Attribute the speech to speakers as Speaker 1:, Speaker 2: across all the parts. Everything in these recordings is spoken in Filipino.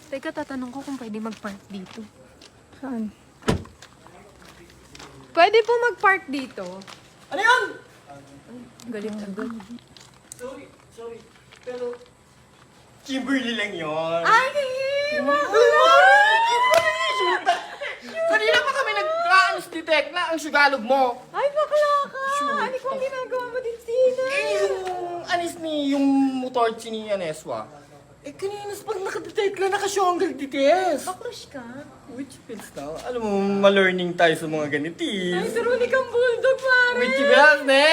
Speaker 1: Teka, tatanong ko kung pwede mag-park dito.
Speaker 2: Saan?
Speaker 1: Pwede po mag-park dito.
Speaker 3: Ano yun?
Speaker 1: Galit agad.
Speaker 3: Sorry. Pero, Kimberly lang yun.
Speaker 1: Ay,
Speaker 3: Kanina pa kami nag-aanos ni Tekla, ang sugalog mo.
Speaker 1: Ay, bakla ka!
Speaker 3: Sure.
Speaker 1: Ano kung ginagawa mo din, Sina?
Speaker 3: Yung anis yung motorci ni Aneswa. Kanina pag nakadetekla, nakasyonggal dites.
Speaker 1: Bakrush ka?
Speaker 3: Which feels now? Alam mo, ma-learning tayo sa mga ganitis.
Speaker 1: Ay, turunig kang bulldog, pare!
Speaker 3: Which feels, ne?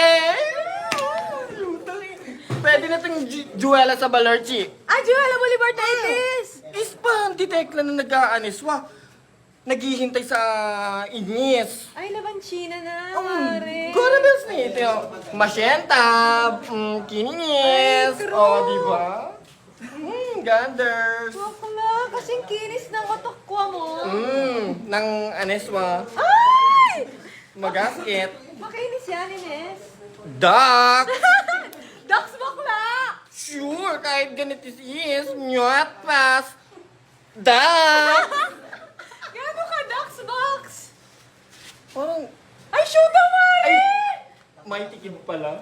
Speaker 3: Pwede na itong Juela sa Balerchi.
Speaker 1: Ah, Joella Bolivartitis!
Speaker 3: Is pa, ang detekla na nag-aaneswa. Naghihintay sa inis.
Speaker 1: Ay, labanchina na, pare.
Speaker 3: Gorabels na ito. Masyenta, kininis.
Speaker 1: Ay, true.
Speaker 3: O, di ba? Ganders.
Speaker 1: Bakla, kasing kinis ng otokwa mo.
Speaker 3: Ng aneswa.
Speaker 1: Ay!
Speaker 3: Magasket.
Speaker 1: Makinis yan, Ines.
Speaker 3: Duck.
Speaker 1: Dax bakla!
Speaker 3: Sure, kahit ganito is, nyot pas. Duck.
Speaker 1: Gano'n ka, Dax Box?
Speaker 3: Parang,
Speaker 1: Ay, sugar mare!
Speaker 3: may tikid pala.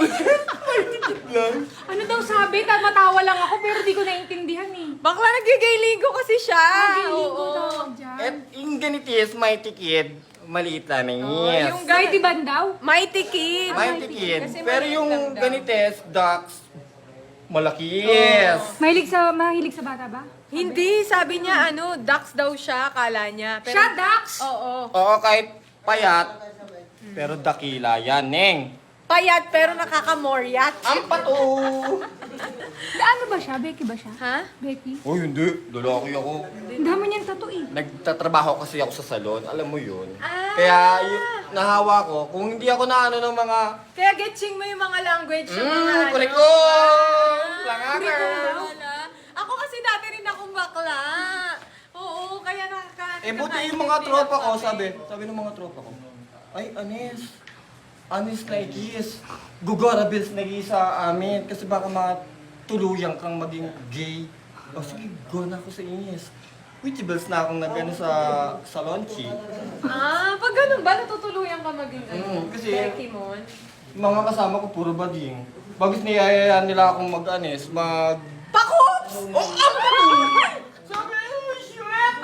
Speaker 4: Ano daw sabi? Matawa lang ako pero di ko naintindihan eh.
Speaker 1: Bakla, nagigay-ligo kasi siya.
Speaker 4: Nagliligo
Speaker 1: Oo.
Speaker 4: tawag dyan.
Speaker 3: At yung ganitis, may tikid. Maliit lang na yes.
Speaker 1: yung
Speaker 4: Mighty Band daw?
Speaker 1: Mighty Kid.
Speaker 3: May tikid.
Speaker 1: Kasi
Speaker 3: Pero
Speaker 1: maliit
Speaker 3: yung
Speaker 1: lang daw.
Speaker 3: ganites, ducks, malakis.
Speaker 4: Mahilig sa bata ba?
Speaker 1: Hindi, sabi niya, Dax daw siya, akala niya. Pero,
Speaker 4: Siya, Dax!
Speaker 1: Oo.
Speaker 3: Oo, kahit payat, pero dakila yan, Neng.
Speaker 1: Payat, pero nakakamoryat.
Speaker 3: Ang pato.
Speaker 4: Ano ba siya? Becky ba siya?
Speaker 1: Ha?
Speaker 4: Becky?
Speaker 3: Oh, hindi. Lalaki ako.
Speaker 4: Ang dami niyang tattoo eh.
Speaker 3: Nagtatrabaho kasi ako sa salon. Alam mo yun.
Speaker 1: Ah.
Speaker 3: Kaya nahawa ko. Kung hindi ako na ng mga...
Speaker 1: Kaya getching mo yung mga language ng mga
Speaker 3: Kuriko!
Speaker 1: Kuriko
Speaker 3: Langakers!
Speaker 1: daw. Ako kasi dati rin akong bakla. Oo, kaya
Speaker 3: Buti yung mga tropa ko, sabi ng mga tropa ko, ay, Anis na ikis. Gugora bills na sa amin. Kasi baka matuluyang kang maging gay. O sige, go na ako sa inis. Which bills na akong nag sa launchi.
Speaker 1: Pag ganun ba, natutuluyan ka maging
Speaker 3: Kasi
Speaker 1: Becky Mon?
Speaker 3: mga kasama ko puro bading. Bagis niyayayaan nila akong
Speaker 1: Pakups!
Speaker 3: Oh, sabi, oh, shit!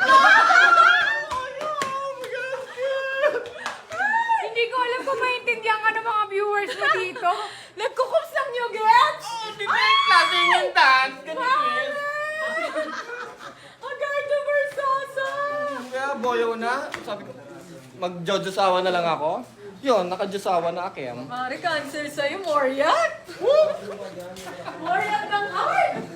Speaker 4: Hindi ko alam kung maintindihan ka ng mga viewers mo dito.
Speaker 1: Nagkukups lang yung gets!
Speaker 3: Klaseng yung dance, ganyan.
Speaker 1: Ang ganda Versosa!
Speaker 3: Kaya boyo na, sabi ko, mag-jojosawa na lang ako. Yun, naka-josawa na akem.
Speaker 1: Mari, cancel sa'yo, Moryat! Moryat ng heart!